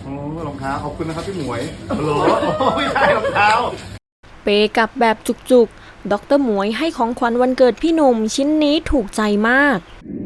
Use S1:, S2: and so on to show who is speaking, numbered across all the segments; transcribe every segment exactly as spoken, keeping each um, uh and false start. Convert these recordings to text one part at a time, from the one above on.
S1: โอ้รองเท้าขอบคุณนะครับพี่หมวยโอ้โหไม่ใช่รองเท้า
S2: เปกับแบบจุกๆดร.หมวยให้ของขวัญวันเกิดพี่หนุ่มชิ้นนี้ถูกใจมาก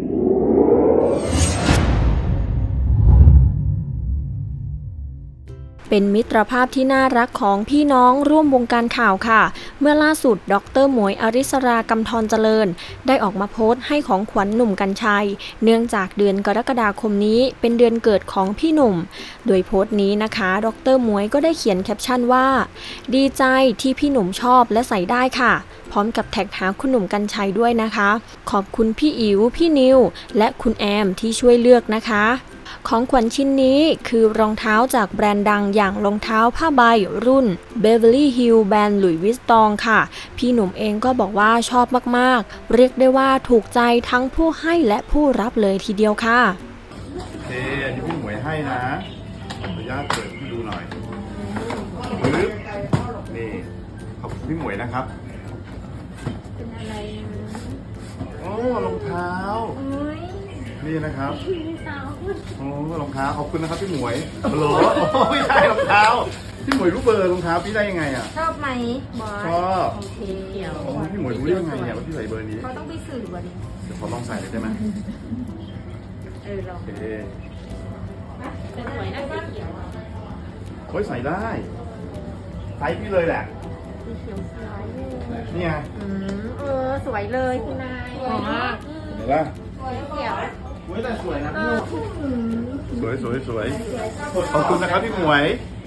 S2: เป็นมิตรภาพที่น่ารักของพี่น้องร่วมวงการข่าวค่ะเมื่อล่าสุดดร.หมวยอริสรากำธรเจริญได้ออกมาโพสต์ให้ของขวัญหนุ่มกรรชัยเนื่องจากเดือนกรกฎาคมนี้เป็นเดือนเกิดของพี่หนุ่มโดยโพสต์นี้นะคะดร.หมวยก็ได้เขียนแคปชั่นว่าดีใจที่พี่หนุ่มชอบและใส่ได้ค่ะพร้อมกับแท็กหาคุณหนุ่มกรรชัยด้วยนะคะขอบคุณพี่อิ๋วพี่นิวและคุณแอมที่ช่วยเลือกนะคะของขวัญชิ้นนี้คือรองเท้าจากแบรนด์ดังอย่างรองเท้าผ้าใบรุ่น Beverly Hills แบรนด์หลุยส์วิสตองค่ะพี่หนุ่มเองก็บอกว่าชอบมากๆเรียกได้ว่าถูกใจทั้งผู้ให้และผู้รับเลยทีเดียวค่ะ
S1: โอเคอันนี้พี่หมวยให้นะขออนุญาตเปิดให้ดูหน่อยปึ๊บนี่ขอบคุณพี่หมวยนะครับ
S3: เป็นอะไร
S1: โอ้รองเท้านี่นะครับโอ้รองเท้าขอบคุณนะครับพี่หมวยโอ้โหไม่ใช่รองเท้าพี่หมวยรู้เบอร์รองเท้าพี่ได้ยังไงอ่ะ
S3: ชอบไหมบอส
S1: ชอบ
S3: โอเค
S1: โอ้พี่หมวยรู้ได้ยังไงเนี่ยว่าพี่ใส่เบอร์นี้
S3: เขาต้องไปสื่อวันนี้
S1: เดี๋ยวขอลองใส่เลยได้ไหม
S3: เออลอง
S1: โอเค
S3: เป็นสวยนะสีเขียวอ่ะ
S1: โอ้ยใส่ได้ใส่พี่เลยแหละ
S3: สีเขียวสวย
S1: นี่ไง
S3: อืมเออสวยเลยคุณนายสวยมาก
S1: เห็นปะ
S3: สีเขียว
S1: สวยแต่สวยนะ
S3: เออ
S1: สวยสวยสวยขอบคุณนะครับพี่หมวย